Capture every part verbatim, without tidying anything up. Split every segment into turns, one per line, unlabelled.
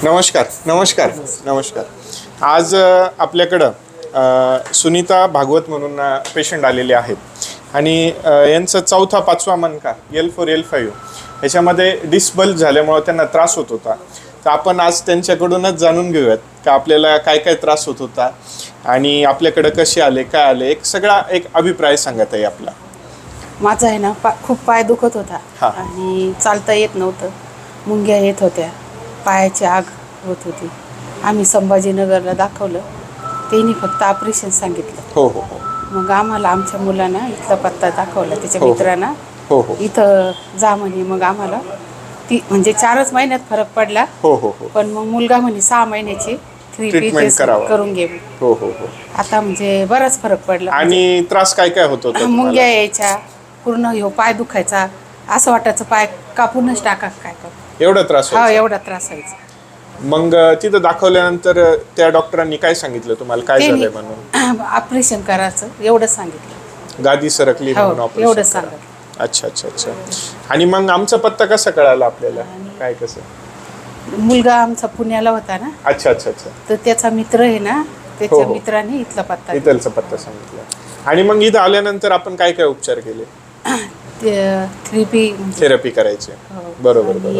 नमस्कार नमस्कार नमस्कार आज अ, आपल्याकडं अ, सुनीता भागवत म्हणून पेशंट आलेले आहेत आणि अ, यांचा चौथा पाचवा मणका एल फोर एल फाईव्ह ह्याच्यामध्ये डिस्बल्ज झाल्यामुळं त्यांना त्रास होत होता. तर आपण आज त्यांच्याकडूनच जाणून घेऊयात का आपल्याला काय काय त्रास होत होता आणि आपल्याकडं कसे आले काय आले एक सगळा एक अभिप्राय सांगत आहे आपला.
माझा आहे ना पा खूप पाय दुखत होता
हा.
आणि चालता येत नव्हतं. मुंग्या येत होत्या, पायाची आग होत होती. आम्ही संभाजीनगरला दाखवलं, त्यांनी फक्त ऑपरेशन सांगितलं.
हो हो हो
मग आम्हाला आमच्या मुलांना इथला पत्ता दाखवला, त्याच्या
हो, हो.
मित्रांना
हो हो
इथं जा म्हणे. मग आम्हाला ती म्हणजे चारच महिन्यात फरक पडला.
हो हो हो
पण मग मुलगा म्हणे सहा महिन्याची थ्री
Treatment
पीस
करावं.
करून घे.
हो हो हो
आता म्हणजे बराच फरक पडला.
आणि त्रास काय काय होत होता तुम्हाला?
मुंग्या यायच्या, पूर्ण ह्यो पाय दुखायचा, असं वाटायचं पाय कापूनच टाका काय करू.
एवढा त्रास
हा,
व्हायचा?
एवढा त्रास व्हायचा.
मग तिथं दाखवल्यानंतर त्या डॉक्टरांनी काय सांगितलं तुम्हाला काय झालंय म्हणून?
ऑपरेशन करायचं एवढं सांगितलं.
गादी सरकली
हो,
म्हणून ऑपरेशन
एवढं
करा.
सांगितलं.
अच्छा अच्छा अच्छा. आणि मग आमचा पत्ता कसा कळाला आपल्याला? काय कसं?
मुलगा आमचा पुण्याला होता ना,
अच्छा अच्छा अच्छा.
तर त्याचा मित्र आहे ना,
हो,
त्याच्या
हो.
मित्राने इथला पत्ता दिला.
इथलचा पत्ता सांगितला. आणि मग इथं आल्यानंतर आपण काय काय उपचार केले?
ते थ्री पी
थेरपी करायचे. बरोबर बरोबर.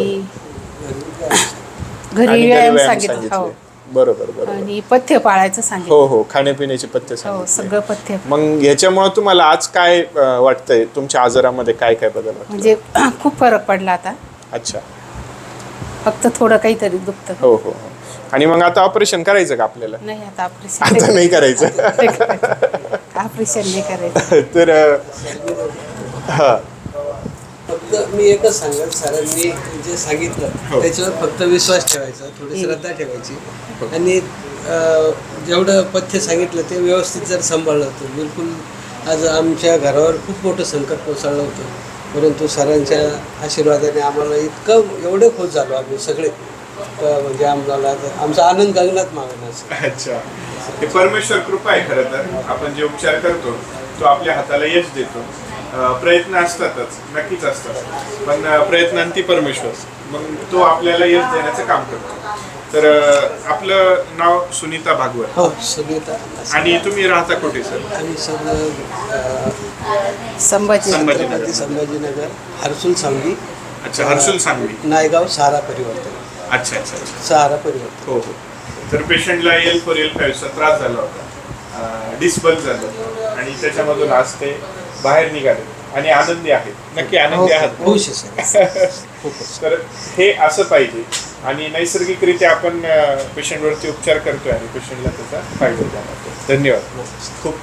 घरी
आणि
व्यायाम
व्यायाम
सांगितलं. हो.
सांगितले. बरोबर बरोबर.
आणि पथ्य पाळायचं सांगितलं.
हो हो खाण्यापिण्याचे पत्ते
हो,
सांगितले.
सगळं पथ्य.
मग ह्याच्यामुळे तुम्हाला आज काय अं, वाटतंय तुमच्या आजारामध्ये काय काय बदल वाटतो?
म्हणजे खूप फरक पडला आता.
अच्छा.
फक्त थोडं काहीतरी दुखतं.
हो हो हो. आणि मग आता ऑपरेशन करायचं का आपल्याला?
नाही, आता
आता
ऑपरेशन
नाही करायचं.
ऑपरेशन नाही करायचं.
तर हा
फक्त मी एकच सांगेल, सरांनी जे सांगितलं
हो.
त्याच्यावर फक्त विश्वास ठेवायचा, थोडी श्रद्धा ठेवायची आणि अं, जेवढं पथ्य सांगितलं ते व्यवस्थित जर सांभाळलं तर बिलकुल आज आमच्या घरावर खूप मोठं संकट कोसळलं होतं. परंतु सरांच्या आशीर्वादाने आम्हाला इतकं एवढे खुश झालो आम्ही सगळे का म्हणजे आम्हाला आमचा आनंद गगनात मावेना.
अच्छा. हे परमेश्वर कृपा आहे खरं तर. आपण जे उपचार करतो तो आपल्या हाताला यश देतो. अं, प्रयत्न असतातच, नक्कीच असतात, पण अं, प्रयत्नांती परमेश्वर, मग तो आपल्याला यश देण्याचं काम करतो. तर अं, आपलं नाव सुनीता भागवत.
हो, सुनीता.
आणि तुम्ही राहता कुठे सर?
आम्ही सगळं
संभाजी
संभाजीनगर.
छत्रपती संभाजीनगर, हर्सुल सांगली,
अच्छा, हर्सुल सांगवी.
नायगाव, सहारा परिवर्तन.
अच्छा अच्छा अच्छा.
सहारा परिवर्तन.
हो हो. तर पेशंटला एल फोर एल फाईव्हचा त्रास झाला होता, डिस्बल्ज झालं आणि त्याच्यामधून आज ते बाहेर निघाले आणि आनंदी आहेत. नक्की आनंदी आहात?
खुश आहे सर. खूपच.
तर हे असं पाहिजे आणि नैसर्गिकरित्या आपण पेशंटवरती उपचार करतोय आणि पेशंटला त्याचा फायदा जाणवतो. धन्यवाद. खूप